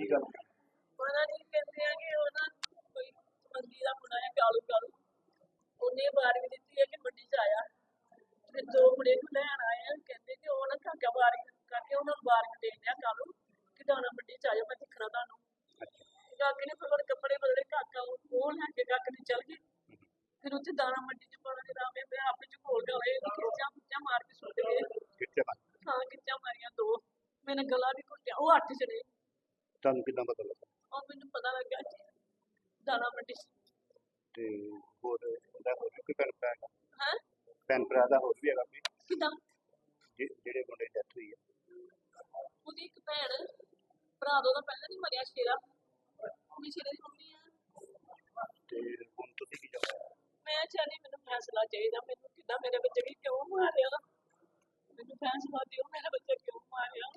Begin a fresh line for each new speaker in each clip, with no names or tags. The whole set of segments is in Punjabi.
ਗੱਲ
ਉਹਨਾਂ ਨੇ ਕਹਿੰਦੇ ਆ ਕਿ ਉਹ ਨਾ ਕੋਈ ਮੰਦੀ ਦਾ ਮੁੰਡਾ ਹੈ ਕਾਲੂ ਕਾਲੂ ਉਹਨੇ ਵਾਰੀ ਦਿੱਤੀ ਹੈ ਕਿ ਮੰਡੀ ਚ ਆਇਆ ਤੇ ਦੋ ਮੁੰਡੇ ਨੂੰ ਲੈਣ ਆਏ ਆ ਕਹਿੰਦੇ ਕਿ ਉਹ ਨਾ ਕਾਕਾ ਵਾਰੀ ਕਰਕੇ ਉਹਨਾਂ ਨੂੰ ਵਾਰੀ ਦੇ ਦਿਆ ਕਾਲੂ ਕਿ ਦਾਣਾ ਮੰਡੀ ਚ ਆਇਓ ਮੈਂ ਦਿਖਣਾ ਤੁਹਾਨੂੰ ਕਾਕੇ ਨੇ ਫਿਰ ਕੱਪੜੇ ਬਦਲੇ ਕਾਕਾ ਉਹ ਲੈ ਕੇ ਕਾਕੇ ਨੇ ਚੱਲ ਗਏ ਫਿਰ ਉੱਥੇ ਦਾਣਾ ਮੰਡੀ ਚ ਪਾਣਾ ਦੇ ਰਾਮੇ ਮੈਂ ਆਪੇ ਚ ਖੋਲ ਗਿਆ ਹੋਏ ਖਿੱਚਾਂ ਮਾਰ ਕੇ ਸੁੱਟ ਗਏ ਹਾਂ ਖਿੱਚਾਂ ਮਾਰੀਆਂ ਦੋ ਮੈਨੇ ਗਲਾ ਵੀ ਘੁੱਟਿਆ ਉਹ 8 ਜਣੇ
ਤੁਹਾਨੂੰ ਕਿੱਦਾਂ ਪਤਾ ਲੱਗਾ
ਉਹ ਮੈਨੂੰ ਪਤਾ ਲੱਗਾ ਜੀ ਦਾਣਾ ਮੰਡੀ
ਤੇ ਹੋਰ ਇਹਦਾ ਹੋਰ ਵੀ ਕੋਈ ਭੈਣ ਭਰਾ ਹੈਗਾ
ਹੈ
ਭੈਣ ਭਰਾ ਦਾ ਹੋਰ ਵੀ ਹੈਗਾ ਕੋਈ
ਕਿਦਾਂ
ਜਿਹੜੇ ਮੁੰਡੇ ਦੀ ਡੈਥ ਹੋਈ ਹੈ
ਉਹਦੀ ਇੱਕ ਭੈਣ ਭਰਾ ਦਾ ਪਹਿਲਾਂ ਨਹੀਂ ਮਰਿਆ ਸ਼ੇਰਾ ਉਹਦੀ ਸ਼ੇਰੇ ਦੀ ਮੰਮੀ ਆ
ਤੇ ਹੁਣ ਤੁਸੀਂ ਕੀ ਚਾਹੁੰਦੇ ਹੋ
ਮੈਂ ਚਾਹਨੀ ਮੈਨੂੰ ਫੈਸਲਾ ਚਾਹੀਦਾ ਮੈਨੂੰ ਕਿੱਦਾਂ ਮੇਰੇ ਬੱਚੇ ਵੀ ਕਿਉਂ ਮਾਰਿਆ ਮੈਨੂੰ ਫੈਸਲਾ ਦਿਓ ਮੇਰਾ ਬੱਚਾ ਕਿਉਂ ਮਾਰਿਆ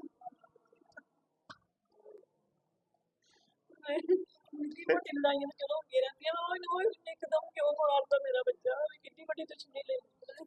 ਕਿੰਨੀ ਵੱਡੀ ਲੜਾਈਆਂ ਤਾਂ ਚਲੋ ਹੁੰਦੀਆਂ ਰਹਿੰਦੀਆਂ ਉਹ ਇੱਕਦਮ ਕਿਉਂ ਮਾਰਦਾ ਮੇਰਾ ਬੱਚਾ ਕਿੰਨੀ ਵੱਡੀ ਦੁਸ਼ਮਣੀ ਲੈ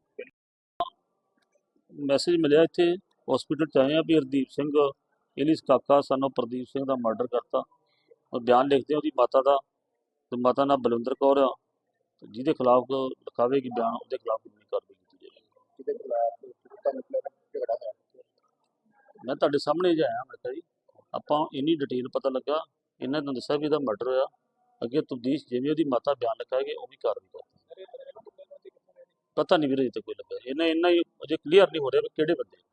ਮੈਸੇਜ ਮਿਲਿਆ ਇੱਥੇ ਹਸਪੀਟਲ 'ਚ ਆਏ ਆ ਵੀ ਹਰਦੀਪ ਸਿੰਘ ਇਹਲੀ ਕਾਕਾ ਸਾਨੂੰ ਪ੍ਰਦੀਪ ਸਿੰਘ ਦਾ ਮਰਡਰ ਕਰਤਾ ਉਹ ਬਿਆਨ ਲਿਖਦੇ ਉਹਦੀ ਮਾਤਾ ਦਾ ਤੇ ਮਾਤਾ ਨਾਲ ਬਲਵਿੰਦਰ ਕੌਰ ਆ ਜਿਹਦੇ ਖਿਲਾਫ ਲਿਖਾਵੇਗੀ ਬਿਆਨ ਉਹਦੇ ਖਿਲਾਫ ਕਾਨੂੰਨੀ ਕਾਰਵਾਈ ਕੀਤੀ ਜਾਏਗੀ
ਜਿਹਦੇ ਖਿਲਾਫ ਝਗੜਾ ਹੋਇਆ
ਮੈਂ ਤੁਹਾਡੇ ਸਾਹਮਣੇ ਜਿਹਾ ਆਇਆ ਮੈਂ ਕਿਹਾ ਜੀ ਆਪਾਂ ਇੰਨੀ ਡਿਟੇਲ ਪਤਾ ਲੱਗਾ ਇਹਨਾਂ ਨੇ ਦੱਸਿਆ ਵੀ ਇਹਦਾ ਮਰਡਰ ਹੋਇਆ ਅੱਗੇ ਤਬਦੀਸ਼ ਜਿਵੇਂ ਉਹਦੀ ਮਾਤਾ ਬਿਆਨ ਲਿਖਾਏਗੀ ਉਹ ਵੀ ਕਾਰਵਾਈ ਕਰਦੀ ਪਤਾ ਨਹੀਂ ਵੀਰੇ ਤੇ ਕੋਈ ਲੱਗਾ ਇੰਨਾ ਹੀ ਅਜੇ ਕਲੀਅਰ ਨਹੀਂ ਹੋ ਰਿਹਾ ਵੀ ਕਿਹੜੇ ਬੰਦੇ